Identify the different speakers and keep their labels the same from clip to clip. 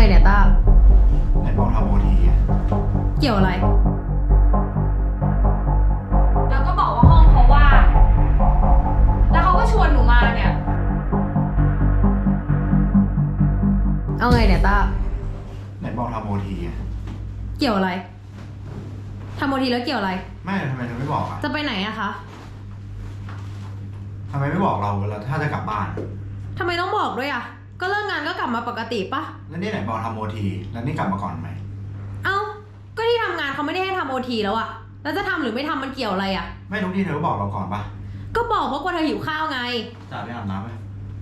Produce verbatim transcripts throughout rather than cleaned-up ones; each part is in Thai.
Speaker 1: เนี่ยต้า
Speaker 2: ไหนบอกทำโอทีอ่ะ
Speaker 1: เกี่ยวอะไร
Speaker 3: แล้วก็บอกว่าห้องเขาว่างแล้วเขาก็ชวนหนูมาเนี่ย
Speaker 1: เอาไงเนี่ยต้า
Speaker 2: ไหนบอกทำโอทีอ่ะ
Speaker 1: เกี่ยวอะไรทำโอทีแล้วเกี่ยวอะไร
Speaker 2: ไม่ทำไมเธอไม่บอกอ่ะ
Speaker 1: จะไปไหนอะคะ
Speaker 2: ทำไมไม่บอกเราเวลาถ้าจะกลับบ้าน
Speaker 1: ทำไมต้องบอกด้วยอะก็เลิกงานก็กลับมาปกติปะ
Speaker 2: แล้วนี่ไหนบอกทำโอทีแล้วนี่กลับมาก่อนไหม
Speaker 1: เอ้าก็ที่ทำงานเขาไม่ได้ให้ทำโอทีแล้วอะแล้วจะทำหรือไม่ทำมันเกี่ยวอะไรอะ
Speaker 2: ไม่ทุกที่เธอก็บอกเราก่อนปะ
Speaker 1: ก็บอกเพราะกลัวเธอหิวข้าวไง
Speaker 2: จ่าไปอาบน้ำไหม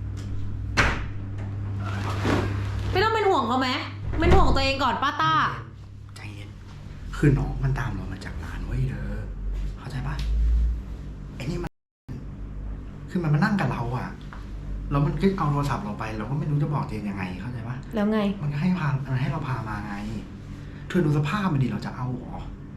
Speaker 1: ไม่ต้องเป็นห่วงเขาไหมเป็นห่วงตัวเองก่อนป้าต้า
Speaker 2: ใจเย็นคือน้องมันตามเรามาจากร้านเว้ยเธอเข้าใจปะไอ้นี่มันคือมันมานั่งกับเราอะแล้วมันก็เอาโทรศัพท์เราไปเราก็ไม่รู้จะบอกเจนยังไงเข้าใจปะ
Speaker 1: แล้วไง
Speaker 2: มันก็ให้พามันให้เราพามาไงเธอดูสภาพมันดิเราจะเอาหรอ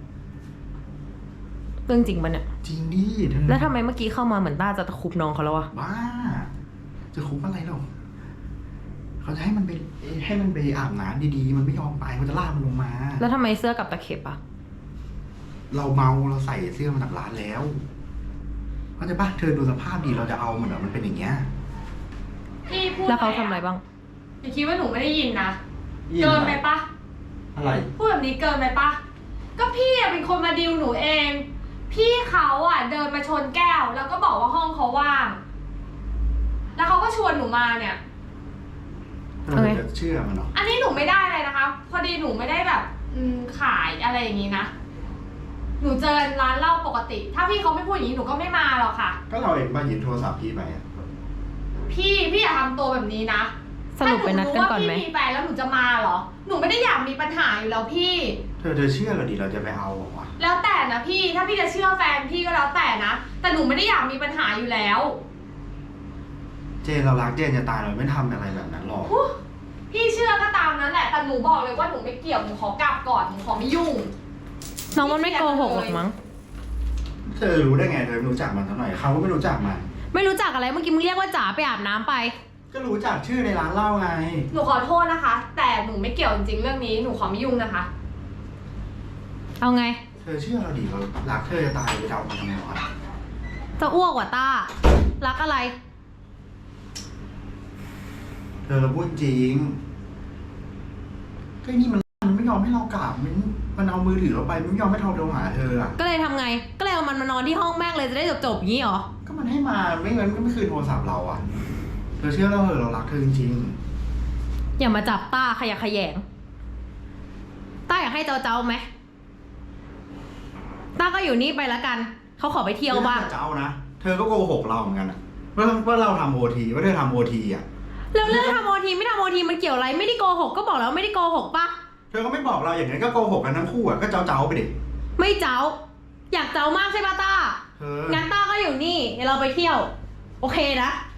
Speaker 1: เรื่องจริงมันเนี่ย
Speaker 2: จริงดิเธอ
Speaker 1: แล้วทำไมเมื่อกี้เข้ามาเหมือนต้าจะตะคุบน้องเขาแล้ววะ
Speaker 2: บ้าจะคุบอะไรหรอเขาจะให้มันไปให้มันไปอาบน้ำดีๆมันไม่ยอมไปเขาจะลากมันลงมา
Speaker 1: แล้วทำไมเสื้อกับตะเข็บอะ
Speaker 2: เราเมาเราใส่เสื้อมาจากร้านแล้วเข้าใจปะเธอดูสภาพดีเราจะเอามันเหรอมันเป็นอย่างเงี้ย
Speaker 3: พี่พูด
Speaker 1: แล้วเขาทำอะไรบ้าง
Speaker 3: อย่าคิดว่าหนูไม่ได้ยินนะเกินไปปะ
Speaker 2: อะไร
Speaker 3: พูดแบบนี้เกินไปปะก็พี่เป็นคนมาดิวหนูเอง พี่เขาอ่ะเดินมาชนแก้วแล้วก็บอกว่าห้องเขาว่าง แล้วเขาก็ชวนหนูมาเนี่ย
Speaker 2: เราจะเชื่อมันหรอ
Speaker 3: อันนี้หนูไม่ได้เลยนะคะพอดีหนูไม่ได้แบบอืมขายอะไรอย่างนี้นะหนูเจอร้านเหล้าปกติถ้าพี่เขาไม่พูดอย่างนี้หนูก็ไม่มาหรอกค่ะ
Speaker 2: ก็เราเองมาหยิบโทรศัพท์พี่ไป
Speaker 3: พี่พี่อย่าทำตัวแบบนี้นะ
Speaker 1: สรุปไปนัดกันก่อนไหม
Speaker 3: ถ้าหนูรู้ว่าพี่มีแฟนแล้วหนูจะมาเหรอหนูไม่ได้อยากมีปัญหาอยู่แล้วพี่
Speaker 2: เธอเธอเชื่อเราดิเราจะไปเอาหรอวะ
Speaker 3: แล้วแต่นะพี่ถ้าพี่จะเชื่อแฟนพี่ก็แล้วแต่นะแต่หนูไม่ได้อยากมีปัญหาอยู่แล้ว
Speaker 2: เจนเรารักเจนจะตายเราไม่ทำอะไรแบบนั้นหรอก
Speaker 3: พี่เชื่อก็ตามนั้นแหละแต่หนูบอกเลยว่าหนูไม่เกี่ยวหนูขอกลับก่อนหนูขอไม่ยุ่ง
Speaker 1: น้องมันไม่โกหกหรอกมั้ง
Speaker 2: เธอรู้ได้ไงเธอไม่รู้จักมันเท่าไหร่เขาก็ไม่รู้จักมัน
Speaker 1: ไม่รู้จักอะไรเมื่อกี้มึงเรียกว่าจ๋าไปอาบน้ำไป
Speaker 2: ก็รู้จักชื่อในร้านเหล้าไง
Speaker 3: หนูขอโทษนะคะแต่หนูไม่เกี่ยวจริงๆเรื่องนี้หนูขอไม่ยุ่งนะคะ
Speaker 1: เอาไง
Speaker 2: เธอเชื่อเราดิเรารักเธอจะตายไปเดามันทำไมวะ
Speaker 1: จะอ้วกว่ะต้ารักอะไร
Speaker 2: เธอเราพูดจริงก็นี่มันมันไม่ยอมให้เรากลับมันมันเอามือถือเราไปมันไม่ยอมให้เราโทรหาเธออ่ะ
Speaker 1: ก็เลยทำไงก็เลยเอามันมานอนที่ห้องแม่งเลยจะได้จบๆอย่างนี้เหรอ
Speaker 2: ก็มันให้มาไม่งั้นก็ไม่คืนโทรศัพท์เราอ่ะเธอเชื่อเราเหรอเรารักเธอจริง
Speaker 1: ๆอย่ามาจับต้าขยะแขยงต้าอยากให้เจ้าเจ้าไหมต้าก็อยู่นี่ไปแล้วกันเขาขอไปเที่ยวบ้าง
Speaker 2: เจ้านะเธอก็โกหกเราเหมือนกันอ่ะว่าว่าเราทำโอทีว่าเธอทำโอทีอ่ะ
Speaker 1: แล้วเรื่องทำโอทีไม่ทำโอทีมันเกี่ยวอะไรไม่ได้โกหกก็บอกแล้วไม่ได้โกหกปะ
Speaker 2: เธอก็ไม่บอกเราอย่างนั้นก็โกหกกันทั้งคู่อ่ะก็เจ้าเจ้าไปดิ
Speaker 1: ไม่เจ้าอยากเจ้ามากใช่ปะต้างั้นต้าก็อยู่นี่เดี๋ยวเราไปเที่ยวโอเคนะ